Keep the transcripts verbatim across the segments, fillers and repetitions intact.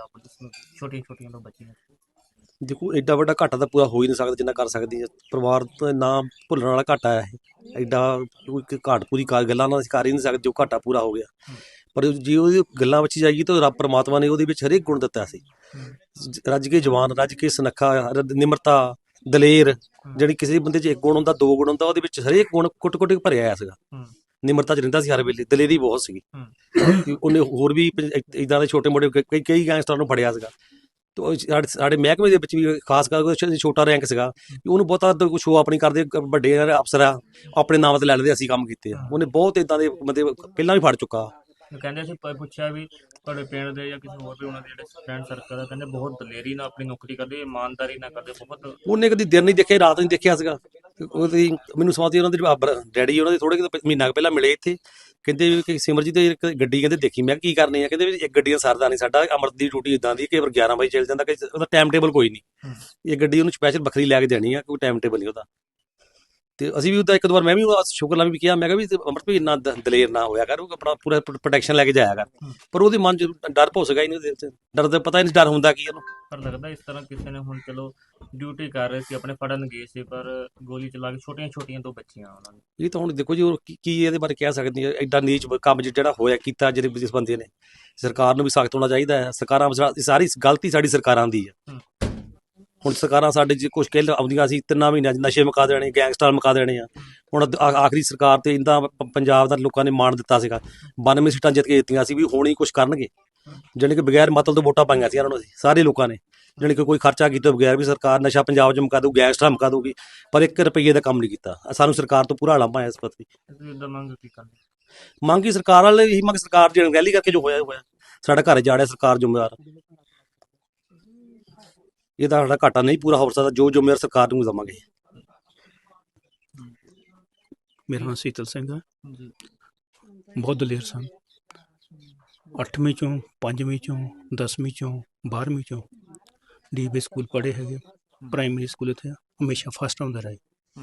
Punjab police ਨੂੰ ਛੋਟੀਆਂ ਛੋਟੀਆਂ ਤੋਂ ਬੱਚੀਆਂ? ਦੇਖੋ ਐਡਾ ਵੱਡਾ ਘਾਟਾ ਤਾਂ ਪੂਰਾ ਹੋ ਹੀ ਨਹੀਂ ਸਕਦਾ ਜਿੰਨਾ ਕਰ ਸਕਦੀ ਹੈ ਪਰਿਵਾਰ ਤੋਂ। ਨਾ ਭੁੱਲਣ ਵਾਲਾ ਘਾਟਾ ਹੈ ਇਹ। ਐਡਾ ਕੋਈ ਘਾਟ ਪੂਰੀ ਕਰ ਗੱਲਾਂ ਨਾਲ ਅਸੀਂ ਕਰ ਹੀ ਨਹੀਂ ਸਕਦੇ ਜੋ ਘਾਟਾ ਪੂਰਾ ਹੋ ਗਿਆ। ਪਰ ਜੇ ਉਹਦੀ ਗੱਲਾਂ ਵਿੱਚ ਜਾਈਏ ਤਾਂ ਰੱਬ ਪਰਮਾਤਮਾ ਨੇ ਉਹਦੇ ਵਿੱਚ ਹਰੇਕ ਗੁਣ ਦਿੱਤਾ ਸੀ। ਰੱਜ ਕੇ ਜਵਾਨ, ਰੱਜ ਕੇ ਸੁਨੱਖਾ, ਨਿਮਰਤਾ, ਦਲੇਰ, ਜਿਹੜੀ ਕਿਸੇ ਬੰਦੇ 'ਚ ਇੱਕ ਗੁਣ ਹੁੰਦਾ, ਦੋ ਗੁਣ ਹੁੰਦਾ, ਉਹਦੇ ਵਿੱਚ ਹਰੇਕ ਗੁਣ ਕੁੱਟ ਕੁੱਟ ਕੇ ਭਰਿਆ ਹੋਇਆ ਸੀਗਾ। ਨਿਮਰਤਾ 'ਚ ਰਹਿੰਦਾ ਸੀ ਹਰ ਵੇਲੇ, ਦਲੇਰੀ ਬਹੁਤ ਸੀਗੀ। ਉਹਨੇ ਹੋਰ ਵੀ ਇੱਦਾਂ ਦੇ ਛੋਟੇ ਮੋਟੇ ਕਈ ਕਈ ਗੈਂਗਸਟਰਾਂ ਨੂੰ ਫੜਿਆ ਸੀਗਾ। ਤੇ ਸਾਡੇ ਸਾਡੇ ਮਹਿਕਮੇ ਦੇ ਵਿੱਚ ਵੀ ਖਾਸ ਕਰਕੇ ਛੋਟਾ ਰੈਂਕ ਸੀਗਾ, ਉਹਨੂੰ ਬਹੁਤਾ ਸ਼ੋਅ ਆਪਣੀ ਕਰਦੇ, ਵੱਡੇ ਅਫਸਰ ਆ ਆਪਣੇ ਨਾਮ ਤੇ ਲੈ ਲੈਂਦੇ ਅਸੀਂ ਕੰਮ ਕੀਤੇ ਆ। ਉਹਨੇ ਬਹੁਤ ਇੱਦਾਂ ਦੇ ਮਤਲਬ ਪਹਿਲਾਂ ਵੀ ਫੜ ਚੁੱਕਾ। ਕਹਿੰਦੇ ਸੀ ਪੁੱਛਿਆ ਵੀ ਤੁਹਾਡੇ ਪਿੰਡ ਦੇ ਜਾਂ ਕਿਸੇ ਹੋਰ ਵੀ ਉਹਨਾਂ ਦੇ ਜਿਹੜੇ ਫਰੈਂਡ ਸਰਕਲ ਆ, ਕਹਿੰਦੇ ਬਹੁਤ ਦਲੇਰੀ ਨਾਲ ਆਪਣੀ ਨੌਕਰੀ ਕਰਦੇ, ਇਮਾਨਦਾਰੀ ਨਾਲ ਕਰਦੇ ਬਹੁਤ। ਉਹਨੇ ਕਦੀ ਦਿਨ ਨਹੀਂ ਦੇਖਿਆ, ਰਾਤ ਨਹੀਂ ਦੇਖਿਆ ਸੀਗਾ। ਉਹਦੀ ਮੈਨੂੰ ਸਮਝਦੀ ਉਹਨਾਂ ਦੇ ਡੈਡੀ ਉਹਨਾਂ ਦੇ ਥੋੜੇ ਮਹੀਨਾ ਕੁ ਪਹਿਲਾਂ ਮਿਲੇ ਇੱਥੇ, ਕਹਿੰਦੇ ਕਿ ਸਿਮਰਜੀਤ ਇੱਕ ਗੱਡੀ ਕਹਿੰਦੇ ਦੇਖੀ। ਮੈਂ ਕੀ ਕਰਨੀ ਆ? ਕਹਿੰਦੇ ਵੀ ਇੱਕ ਗੱਡੀਆਂ ਸਰਦਾ ਨਹੀਂ ਸਾਡਾ, ਅਮਰਤ ਦੀ ਡਿਊਟੀ ਇਦਾਂ ਦੀ ਕਿ ਗਿਆਰਾਂ ਵਜੇ ਚੱਲ ਜਾਂਦਾ, ਕਿ ਉਹਦਾ ਟਾਈਮ ਟੇਬਲ ਕੋਈ ਨਹੀਂ। ਇਹ ਗੱਡੀ ਉਹਨੂੰ ਸਪੈਸ਼ਲ ਵੱਖਰੀ ਲੈ ਕੇ ਦੇਣੀ ਆ, ਕੋਈ ਟਾਈਮ ਟੇਬਲ ਨਹੀਂ ਉਹਦਾ। ਤੇ ਅਸੀਂ ਵੀ ਉਹਦਾ ਇੱਕ ਦੋ ਵਾਰ ਮੈਂ ਵੀ ਸ਼ੁਕਰ ਨਾਲ ਵੀ ਕਿਹਾ, ਮੈਂ ਕਿਹਾ ਵੀ ਅਮਰਤ ਵੀ ਇੰਨਾ ਦਲੇਰ ਨਾ ਹੋਇਆ ਕਰ, ਉਹ ਆਪਣਾ ਪੂਰਾ ਪ੍ਰੋਟੈਕਸ਼ਨ ਲੈ ਕੇ ਜਾਇਆ ਕਰ। ਪਰ ਉਹਦੇ ਮਨ 'ਚ ਡਰ ਭੁੱਸ ਗਿਆ ਹੀ ਨਹੀਂ, ਉਹਦੇ ਡਰ ਦਾ ਪਤਾ ਹੀ ਨਹੀਂ ਡਰ ਹੁੰਦਾ ਕੀ ਉਹਨੂੰ। ਪਰ ਲੱਗਦਾ ਇਸ ਤਰ੍ਹਾਂ ਕਿਸੇ ਨੇ ਹੁਣ ਚਲੋ ਡਿਊਟੀ ਕਰ ਰਹੇ ਸੀ, ਆਪਣੇ ਫੜਨ ਗਏ ਸੀ, ਪਰ ਗੋਲੀ ਚਲਾ ਕੇ ਛੋਟੀਆਂ ਛੋਟੀਆਂ ਦੋ ਬੱਚੀਆਂ ਉਹਨਾਂ ਨੇ। ਇਹ ਤਾਂ ਹੁਣ ਦੇਖੋ ਜੀ ਉਹ ਕੀ ਇਹਦੇ ਬਾਰੇ ਕਹਿ ਸਕਦੀ ਹੈ। ਐਡਾ ਨੀਚ ਕੰਮ ਜਿਹੜਾ ਹੋਇਆ ਕੀਤਾ ਜਿਹੜੇ ਜਿਸ ਬੰਦੇ ਨੇ, ਸਰਕਾਰ ਨੂੰ ਵੀ ਸਖਤ ਹੋਣਾ ਚਾਹੀਦਾ ਹੈ। ਸਰਕਾਰਾਂ ਸਾਰੀ ਗਲਤੀ ਸਾਡੀ ਸਰਕਾਰਾਂ ਦੀ ਹੈ। ਹੁਣ ਸਰਕਾਰਾਂ ਸਾਡੇ 'ਚ ਕੁਛ ਕਹਿ ਆਉਂਦੀਆਂ ਸੀ, ਤਿੰਨਾਂ ਮਹੀਨਿਆਂ 'ਚ ਨਸ਼ੇ ਮੁਕਾ ਦੇਣੇ, ਗੈਂਗਸਟਰ ਮੁਕਾ ਦੇਣੇ ਆ। ਹੁਣ ਆਖਰੀ ਸਰਕਾਰ ਤੇ ਇੰਦਾ ਪੰਜਾਬ ਦਾ ਲੋਕਾਂ ਨੇ ਮਾਣ ਦਿੱਤਾ ਸੀਗਾ, ਬਾਨਵੇਂ ਸੀਟਾਂ ਜਿੱਤ ਕੇ ਦਿੱਤੀਆਂ ਸੀ ਵੀ ਹੁਣ ਹੀ ਕੁਛ ਕਰਨਗੇ। ਜਾਣੀ ਕਿ ਬਗੈਰ ਮਤਲਬ ਤੋਂ ਵੋਟਾਂ ਪਾਈਆਂ ਸੀ ਇਹਨਾਂ ਨੂੰ ਸਾਰੇ ਲੋਕਾਂ ਨੇ, ਜਾਣੀ ਕਿ ਕੋਈ ਖਰਚਾ ਕੀਤੇ ਬਗੈਰ ਵੀ ਸਰਕਾਰ ਨਸ਼ਾ ਪੰਜਾਬ 'ਚ ਮੁਕਾ ਦਊ, ਗੈਂਗਸਟਰ ਮੁਕਾ ਦਊਗੀ, ਪਰ ਇੱਕ ਰੁਪਈਏ ਦਾ ਕੰਮ ਨਹੀਂ ਕੀਤਾ। ਸਾਨੂੰ ਸਰਕਾਰ ਤੋਂ ਪੂਰਾ ਲਾਂਭਾ ਹੈ ਇਸ ਪ੍ਰਤੀ। ਮੰਗ ਹੀ ਸਰਕਾਰ ਵਾਲੇ ਇਹੀ ਮੰਗ, ਸਰਕਾਰ ਦੀ ਅਣਗਹਿਲੀ ਕਰਕੇ ਜੋ ਹੋਇਆ ਹੋਇਆ ਸਾਡਾ ਘਰ ਜਾੜਿਆ, ਸਰਕਾਰ ਜ਼ਿੰਮੇਵਾਰ। ਇਹਦਾ ਸਾਡਾ ਘਾਟਾ ਨਹੀਂ ਪੂਰਾ ਹੋ ਸਕਦਾ, ਜੋ ਜ਼ਿੰਮੇਵਾਰ ਸਰਕਾਰ ਨੂੰ ਦੇਵਾਂਗੇ। ਮੇਰਾ ਨਾਮ ਸੀਤਲ ਸਿੰਘ ਹੈ, ਬਹੁਤ ਦਲੇਰ ਸਨ। ਅੱਠਵੀਂ ਚੋਂ, ਪੰਜਵੀਂ ਚੋਂ, ਦਸਵੀਂ ਚੋਂ, ਬਾਰ੍ਹਵੀਂ ਚੋਂ ਡੀ ਬੀ ਸਕੂਲ ਪੜ੍ਹੇ ਹੈਗੇ। ਪ੍ਰਾਇਮਰੀ ਸਕੂਲ ਇੱਥੇ ਹਮੇਸ਼ਾ ਫਸਟ ਆਉਂਦਾ ਰਹੇ।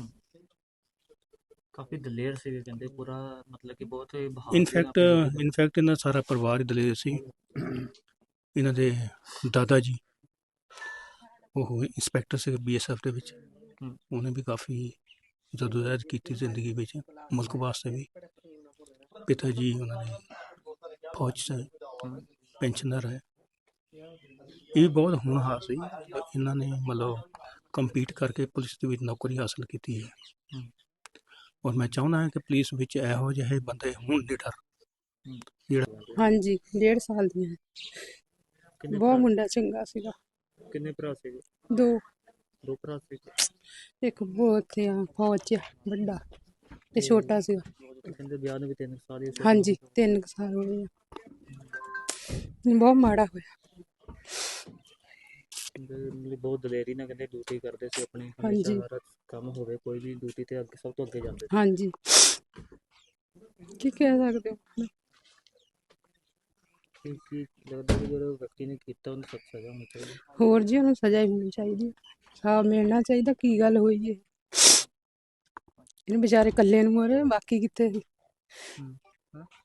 ਕਾਫੀ ਦਲੇਰ ਸੀਗੇ ਕਹਿੰਦੇ, ਪੂਰਾ ਮਤਲਬ ਕਿ ਬਹੁਤ। ਇਨਫੈਕਟ ਇਨਫੈਕਟ ਇਹਨਾਂ ਸਾਰਾ ਪਰਿਵਾਰ ਹੀ ਦਲੇਰ ਸੀ। ਇਹਨਾਂ ਦੇ ਦਾਦਾ ਜੀ ਉਹ ਇੰਸਪੈਕਟਰ ਸੀ ਬੀ ਐਸ ਐਫ ਦੇ ਵਿੱਚ। ਉਹਨੇ ਵੀ ਕਾਫੀ ਜਦੋਜਹਿਦ ਕੀਤੀ ਜ਼ਿੰਦਗੀ ਵਿੱਚ, ਮੁਲਕ ਵਾਸਤੇ ਵੀ। ਪਿਤਾ ਜੀ ਉਹਨਾਂ ਨੇ ਫੌਜ 'ਚ ਪੈਨਸ਼ਨਰ ਹੈ। ਇਹ ਵੀ ਬਹੁਤ ਹੋਣਹਾਰ ਸੀ। ਇਹਨਾਂ ਨੇ ਮਤਲਬ ਕੰਪੀਟ ਕਰਕੇ ਪੁਲਿਸ ਦੇ ਵਿੱਚ ਨੌਕਰੀ ਹਾਸਲ ਕੀਤੀ ਹੈ। ਔਰ ਮੈਂ ਚਾਹੁੰਦਾ ਹਾਂ ਕਿ ਪੁਲਿਸ ਵਿੱਚ ਇਹੋ ਜਿਹੇ ਬੰਦੇ ਹੋਣ ਲੀਡਰ ਜਿਹੜਾ। ਹਾਂਜੀ, ਡੇਢ ਸਾਲ ਦੀਆਂ। ਬਹੁਤ ਮੁੰਡਾ ਚੰਗਾ ਸੀਗਾ। ਕਿੰਨੇ ਭਰਾ ਸੀਗੇ? ਦੋ ਦੋ ਭਰਾ ਸੀ। ਇੱਕ ਬਹੁਤ ਆ ਫੌਜ 'ਚ ਵੱਡਾ ਤੇ ਛੋਟਾ ਸੀਗਾ। ਕਹਿੰਦੇ ਵਿਆਹ ਨੂੰ ਵੀ ਤਿੰਨ ਸਾਲ ਹੀ। ਹਾਂਜੀ, ਤਿੰਨ ਸਾਲ ਹੋਏ ਆ। ਬਹੁਤ ਮਾੜਾ ਹੋਇਆ। ਬਹੁਤ ਦਲੇਰੀ ਨਾਲ ਕਹਿੰਦੇ ਡਿਊਟੀ ਕਰਦੇ ਸੀ ਆਪਣੀ। ਹਾਂਜੀ, ਕੰਮ ਹੋਵੇ ਕੋਈ ਵੀ ਡਿਊਟੀ ਤੇ ਅੱਗੇ ਸਭ ਤੋਂ ਅੱਗੇ ਜਾਂਦੇ। ਹਾਂਜੀ, ਕੀ ਕਹਿ ਸਕਦੇ ਹੋ। ਕੀ ਕੀ ਲੱਗਦਾ ਕਿ ਜਿਹੜਾ ਵਿਅਕਤੀ ਨੇ ਕੀਤਾ ਉਹਨੂੰ ਸਖਤ ਸਜ਼ਾ ਹੋਣੀ ਚਾਹੀਦੀ? ਹੋਰ ਜੀ, ਉਹਨੂੰ ਸਜ਼ਾ ਹੀ ਹੋਣੀ ਚਾਹੀਦੀ, ਸਾਫ਼ ਮਿਲਣਾ ਚਾਹੀਦਾ। ਕੀ ਗੱਲ ਹੋਈ ਹੈ? ਇਹਨੂੰ ਵਿਚਾਰੇ ਇਕੱਲੇ ਨੂੰ ਮਰੇ, ਬਾਕੀ ਕਿੱਥੇ ਸੀ?